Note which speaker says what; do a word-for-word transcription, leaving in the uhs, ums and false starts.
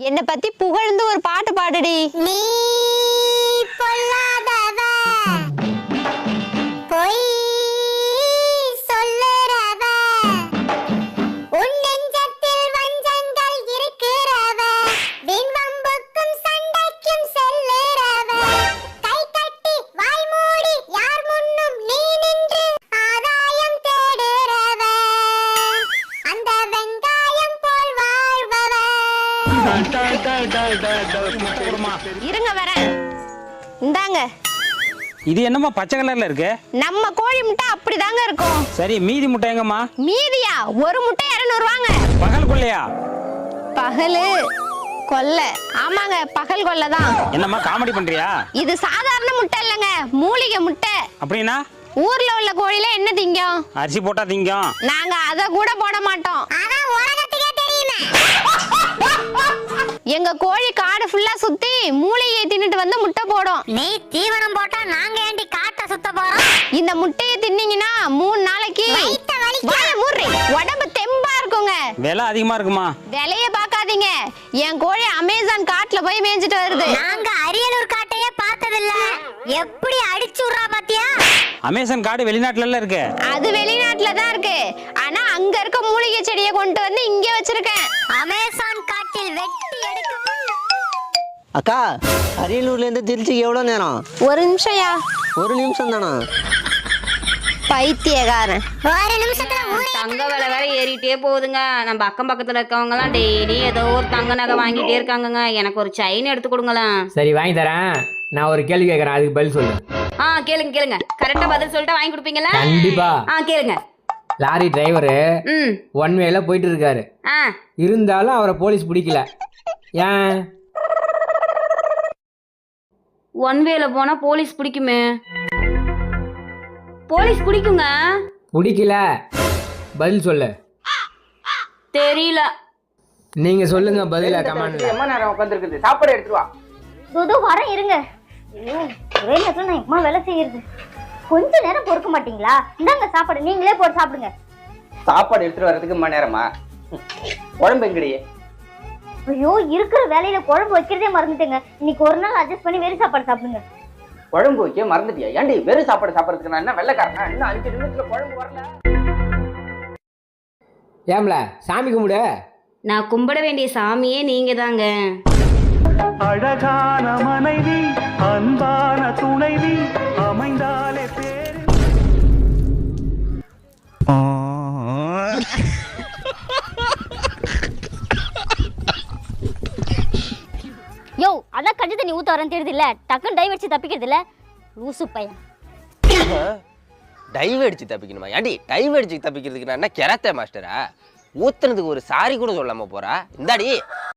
Speaker 1: என்ன பத்தி புகழ்ந்து ஒரு பாட்டு பாடுடி.
Speaker 2: நீ பொல்லாதவ பொய் சொல்லுறவ உன் நெஞ்சத்தில் வஞ்சங்கள் இருக்கிறவ விண்வம்புக்கும் சண்டைக்கும் செல்லுறவ கை கட்டி வாய் மூடி யார் முன்னும் நீ நின்று ஆதாயம் தேடுறவ அந்த வெங்காயம் போல் வாழ்பவ.
Speaker 1: இருங்க வரேன். இந்தாங்க.
Speaker 3: இது என்னமா பச்சை கலர்ல இருக்கு?
Speaker 1: நம்ம கோழி முட்டை அப்படிதாங்க இருக்கும்.
Speaker 3: சரி, மீதி முட்டை எங்கம்மா?
Speaker 1: மீதியா? ஒரு முட்டை இருநூறு ரூபாங்க.
Speaker 3: பகல் கொள்ளையா?
Speaker 1: பகலு கொல்லை. ஆமாங்க, பகல் கொல்லை தான்.
Speaker 3: என்னம்மா காமெடி பண்றியா?
Speaker 1: இது சாதாரண முட்டை இல்லங்க, மூலிகை முட்டை.
Speaker 3: அப்படின்னா
Speaker 1: ஊர்ல உள்ள கோழில என்ன திங்கும்?
Speaker 3: அரிசி போட்டா திங்கும்.
Speaker 1: நாங்க அத கூட போட மாட்டோம்.
Speaker 2: அதான் உலகத்துக்கே தெரியுமே.
Speaker 1: எங்க கோழி காடு ஃபுல்லா சுத்தி மூலிகையை தின்னுட்டு வந்து முட்டை போடும்.
Speaker 2: நீ தீவனம் போட்டா நாங்க ஏண்டி காட்ட சுத்த போறோம்?
Speaker 1: இந்த முட்டையை தின்னீங்கன்னா மூணு நாளைக்கு
Speaker 2: வயித்த வலிக்கும்.
Speaker 1: வாயை மூடுறி. உடம்பு தெம்பா இருக்குங்க.
Speaker 3: விலை அதிகமா இருக்குமா?
Speaker 1: விலைய பாக்காதீங்க. என் கோழி அமேசான் காட்டுல போய் மேய்ஞ்சிட்டு வருது.
Speaker 2: நாங்க அரியலூர் காட்டையே பார்த்ததில்ல. எப்படி அடிச்சு விடுறா பாத்தியா?
Speaker 3: அமேசான் காடு வெளிநாட்டுல எல்லாம் இருக்கு.
Speaker 1: அது வெளிநாட்டுல தான் இருக்கு. ஆனா அங்க இருக்க மூலிகை செடியை கொண்டு வந்து இங்க வச்சிருக்கேன்.
Speaker 2: அமேசான் காட்டில் வெட்டி எடுக்க.
Speaker 4: அக்கா, அரியலூர்ல இருந்து திருச்சிக்கு எவ்வளோ நேரம்?
Speaker 1: ஒரு நிமிஷம்யா.
Speaker 4: ஒரு நிமிஷம் தானா?
Speaker 1: பைத்தியக்காரன்.
Speaker 2: ஒரு நிமிஷத்துல ஊரே
Speaker 5: தங்க விலை வேற ஏறிட்டே போகுதுங்க. நம்ம அக்கம் பக்கத்துல இருக்கவங்க எல்லாம் டெய்லி ஏதோ ஒரு தங்க நகை வாங்கிட்டே இருக்காங்கங்க. எனக்கு ஒரு செயின் எடுத்து கொடுங்களேன்.
Speaker 6: சரி, வாங்கி தரேன். நான் ஒரு கேள்வி கேட்கறேன், அதுக்கு பதில் சொல்லு.
Speaker 5: ஆ கேளுங்க கேளுங்க. கரெக்டா பதில் சொல்லிட்டு வாங்கி கொடுப்பீங்களா?
Speaker 6: கண்டிப்பா.
Speaker 5: ஆ கேளுங்க.
Speaker 6: லாரி டிரைவரு
Speaker 5: ம்
Speaker 6: ஒன் வேல போயிட்டு இருக்காரு.
Speaker 5: ஆ
Speaker 6: இருந்தாலும் அவரை போலீஸ் பிடிக்கல. ஏன்?
Speaker 5: ஒன் வேல போனா போலீஸ் பிடிக்குமே. போலீஸ் பிடிக்குங்க.
Speaker 6: பிடிக்கல, பதில் சொல்லு.
Speaker 5: தெரியல.
Speaker 6: நீங்க சொல்லுங்க பதில கமெண்ட்ல.
Speaker 7: எம்மா நேரம் உட்காந்துருக்குது, சாப்பாடு எடுத்துட்டு வா.
Speaker 2: துது வரேன் இருங்க. ஐயோ, ஒரே நேரத்துல நான் எம்மா வேலை செய்யறது. கொஞ்ச நேரம் பொறுக்க மாட்டீங்களா? இந்தாங்க சாப்பாடு, நீங்களே போட்டு சாப்பிடுங்க.
Speaker 7: சாப்பாடு எடுத்துட்டு வர்றதுக்கு மணி நேரமா? உடம்பு எங்கடியே?
Speaker 2: ஐயோ, இருக்கிற வேலையில குழம்பு வைக்கிறதே மறந்துட்டேங்க. இன்னைக்கு ஒரு நாள் அட்ஜஸ்ட் பண்ணி வெறும் சாப்பாடு சாப்பிடுங்க.
Speaker 7: குழம்பு வைக்க மறந்துட்டியா? ஏன்டி வெறும் சாப்பாடு சாப்பிடறதுக்கு நான் என்ன வெள்ளைக்காரனா? இன்னும் அஞ்சு நிமிஷத்துல குழம்பு வரல.
Speaker 6: ஏம்ல சாமி கும்பிடு.
Speaker 5: நான் கும்பிட வேண்டிய சாமியே நீங்க தாங்க.
Speaker 8: அழகான மனைவி, அன்பான துணைவி அமைந்தாலே பேரு.
Speaker 2: யோ, அதான் கஞ்சி தண்ணி ஊத்த வரேன்னு தெரியுது இல்ல, டக்குன்னு டை வச்சு தப்பிக்கிறது இல்ல. லூசு பையன்.
Speaker 9: டைவ் அடிச்சு தப்பிக்கணுமா? ஏன்டி டைவ் அடிச்சு தப்பிக்கிறதுக்கு நான் என்ன கெராத்தே மாஸ்டரா? ஊத்துனதுக்கு ஒரு சாரி கூட சொல்லாம போறா? இந்தாடி.